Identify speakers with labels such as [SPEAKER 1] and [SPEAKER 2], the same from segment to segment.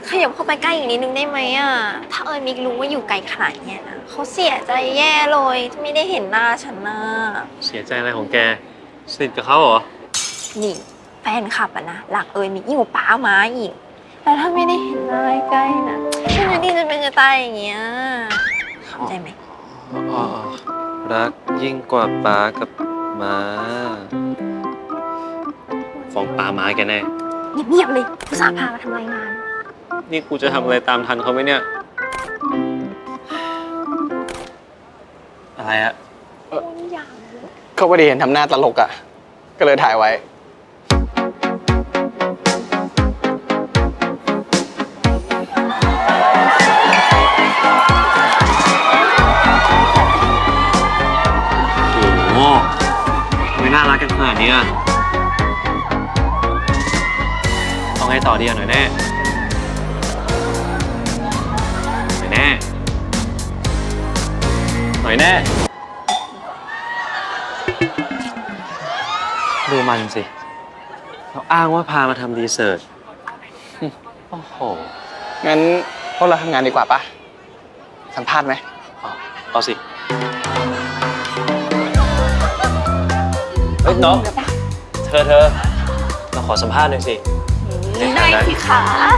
[SPEAKER 1] ขยับเข้าไปใกล้อีกนิดนึงได้ไหมอ่ะถ้ามิกรู้ว่าอยู่ไกลขนาดเนี้ยนะเขาเสียใจแย่เลยที่ไม่ได้เห็นหน้าฉันนะ
[SPEAKER 2] เสียใจอะไรของแกสนิทกับเขาเหรอ
[SPEAKER 1] นี่แฟนคลับอะนะหลักมิกยิ่งกว่าป้าม้าอีกแล้วถ้าไม่ได้เห็นหน้าใกล้นะฉันดีจะเป็นจะตายอย่างเงี้ยเข้าใจไหม
[SPEAKER 2] อ๋อรักยิ่งกว่าป้ากับม้าฟ้องป้าม้าแกแน่
[SPEAKER 1] เงียบๆเลยผู้สาวพามาทำรายงาน
[SPEAKER 2] นี่กูจะทำอะไรตามทันเขาไหมเนี่ยอะไรอะ
[SPEAKER 3] เขาไม่ได้เห็นทำหน้าตลกอ่ะก็เลยถ่ายไว้
[SPEAKER 2] โอ้โหไม่น่ารักกันขนาดนี้อะต้องให้ต่อดีหน่อยแน่หน่อยแน่หน่อยแน่ดูมันสิเขาอ้างว่าพามาทำรีเสิร์ชโอ้โห
[SPEAKER 3] งั้นพวกเราทำงานดีกว่าปะสัมภาษณ์ไหม
[SPEAKER 2] เอาสิเฮ้ยน้องเธอเราขอสัมภาษณ์หน่อยสิ
[SPEAKER 1] ได้สิคะ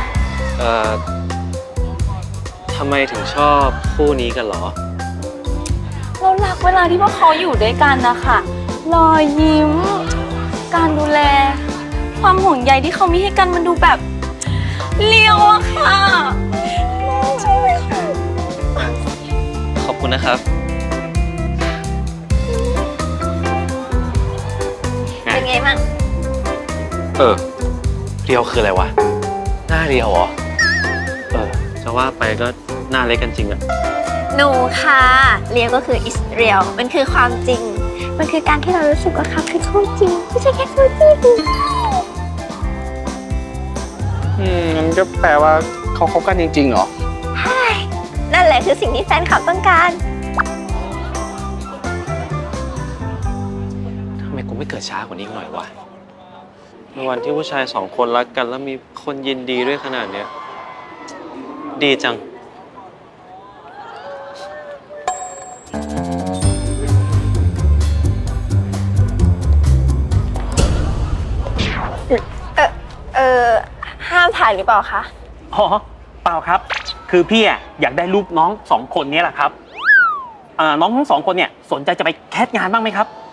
[SPEAKER 2] ทำไมถึงชอบคู่นี้กันเหรอ
[SPEAKER 4] เรารักเวลาที่พวกเขาอยู่ด้วยกันนะคะรอยยิ้มการดูแลความห่วงใยที่เขามีให้กันมันดูแบบเลี้ยวอะค่ะใช่ไหมคะ
[SPEAKER 2] ขอบคุณนะครับ
[SPEAKER 1] เป็นไงบ้าง
[SPEAKER 2] เรียวคืออะไรวะหน้าเรียวเหรอจะว่าไปก็หน้าเล็กกันจริงอะ
[SPEAKER 1] หนูค่ะเรียวก็คือ is real มันคือความจริงมันคือการที่เรารู้สึกว่าเขาคือคู่จริงไม่ใช่แค่คู่จิ้น
[SPEAKER 3] งั้นก็แปลว่าเขาคบกันจริงๆเหรอ
[SPEAKER 1] ใช่นั่นแหละคือสิ่งที่แฟนคลับต้องการ
[SPEAKER 2] ทำไมกูไม่เกิดช้ากว่านี้หน่อยวะในวันที่ผู้ชาย2 คนรักกันแล้วมีคนยินดีด้วยขนาดเนี้ยดีจัง
[SPEAKER 1] ห้ามถ่ายหรือเปล่าคะ
[SPEAKER 5] อ๋อเปล่าครับคือพี่อยากได้รูปน้อง2 คนนี้แหละครับน้องทั้ง2 คนเนี่ยสนใจจะไปแคสงานบ้างไหมครับ